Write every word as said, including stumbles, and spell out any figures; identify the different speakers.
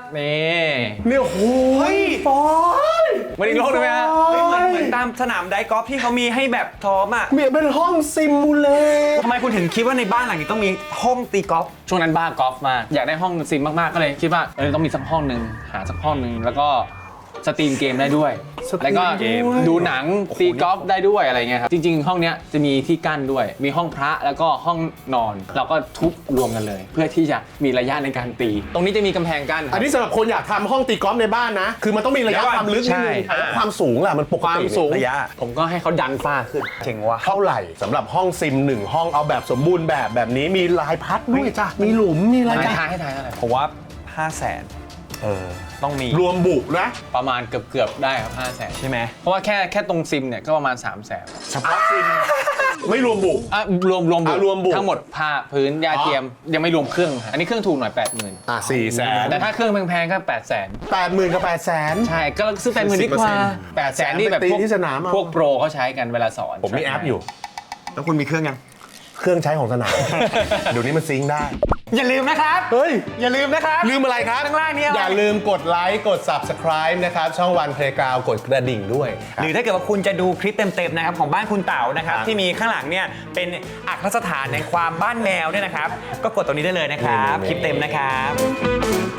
Speaker 1: นี่
Speaker 2: เนี่ยโอ้ยฟอย
Speaker 1: มันอีกโลกเลยไหมฮะ
Speaker 3: เหมือนเหมือนตามสนามไดกอล์ฟที่เขามีให้แบบซ้อมอ่ะ
Speaker 2: เหมือนเป็นห้องซิมูเลต
Speaker 3: ทำไมคุณถึงคิดว่าในบ้านหลังนี้ต้องมีห้องตีกอล์ฟ
Speaker 1: ช่วงนั้นบ้ากอล์ฟมากอยากได้ห้องซิมมากๆก็เลยคิดว่าเออต้องมีสักห้องหนึ่งหาสักห้องหนึ่งแล้วก็สตรีมเกมได้ด้วยแล้วก็ดูหนังตีกอล์ฟได้ด้วยอะไรเงี้ยครับจริงๆห้องเนี้ยจะมีที่กั้นด้วยมีห้องพระแล้วก็ห้องนอนเราก็ทุบรวมกันเลย เพื่อที่จะมีระยะในการตี ตรงนี้จะมีกำแพงกั้น
Speaker 2: อันนี้สำหรับคนอยากทำห้องตีกอล์ฟในบ้านนะคือมันต้องมีระยะความลึกนิดนึงแล้วความสูงล่ะมันปก
Speaker 1: ความ
Speaker 2: ติ
Speaker 1: สูง
Speaker 3: ระยะ
Speaker 1: ผมก็ให้เขาดันฝ้าขึ้น
Speaker 3: เจ๋งว่ะ
Speaker 2: เท่าไหร่สำหรับห้องซิมหนึ่งห้องเอาแบบสมบูรณ์แบบแบบนี้มีลายพัดด้วยจ้ะมีหลุมมีอะไร
Speaker 1: ให้
Speaker 2: จ้ะ
Speaker 1: ทายให้ทายเท่าไหร่
Speaker 3: ผมว่าห้าแสน
Speaker 2: เออ
Speaker 3: ต้องมี
Speaker 2: รวมบุนะ
Speaker 1: ประมาณเกือบเกือบๆได้ครับห้าแสน
Speaker 3: ใช่ไหม
Speaker 1: เพราะว่าแค่แค่ตรงซิมเนี่ยก็ประมาณสามแสน
Speaker 2: เฉพาะซิมไม่รวมบุ
Speaker 1: อ่ะรวมรวมบุ
Speaker 2: อ่ะรวมบุ
Speaker 1: ทั้งหมดผ้าพื้นยาเทียมยังไม่รวมเครื่องอันนี้เครื่องถูกหน่อยแปดหมื่น
Speaker 2: อ่ะสี่แสน
Speaker 1: แต่ถ้าเครื่องแพงๆก็แปดแสน
Speaker 2: แปดหมื่นกับแปดแสน
Speaker 1: ใช่ก็ซื้อแปดหมื่นดีกว่าแปดแสนนี่แบบ
Speaker 2: ตี
Speaker 1: พวก
Speaker 2: ที่สนามเอา
Speaker 1: พวกโปรเขาใช้กันเวลาสอน
Speaker 2: ผมมีแอปอยู่
Speaker 3: แล้วคุณมีเครื่องยัง
Speaker 2: เครื่องใช้ของสนาม เดี๋ยวนี้มันซิงค์ได้
Speaker 3: อย่าลืมนะครับ
Speaker 2: เฮ้ย
Speaker 3: อย่าลืมนะครับ
Speaker 2: ลืมอะไรครับ
Speaker 3: ข้างล่างเนี่ย
Speaker 2: อย่าลืมกดไลค์กด Subscribe นะครับ ช่องวันเพลย์กราวกดกระดิ่งด้วย
Speaker 3: หรือถ้าเกิดว่าคุณจะดูคลิปเต็มๆนะครับของบ้านคุณเต๋านะครับ
Speaker 2: ครับ
Speaker 3: ที่มีข้างหลังเนี่ยเป็นอัครสถานในความบ้านแมวเนี่ยนะครับ ก็กดตรงนี้ได้เลยนะครับ
Speaker 2: นี่ๆๆ
Speaker 3: คลิปเต็มนะครับ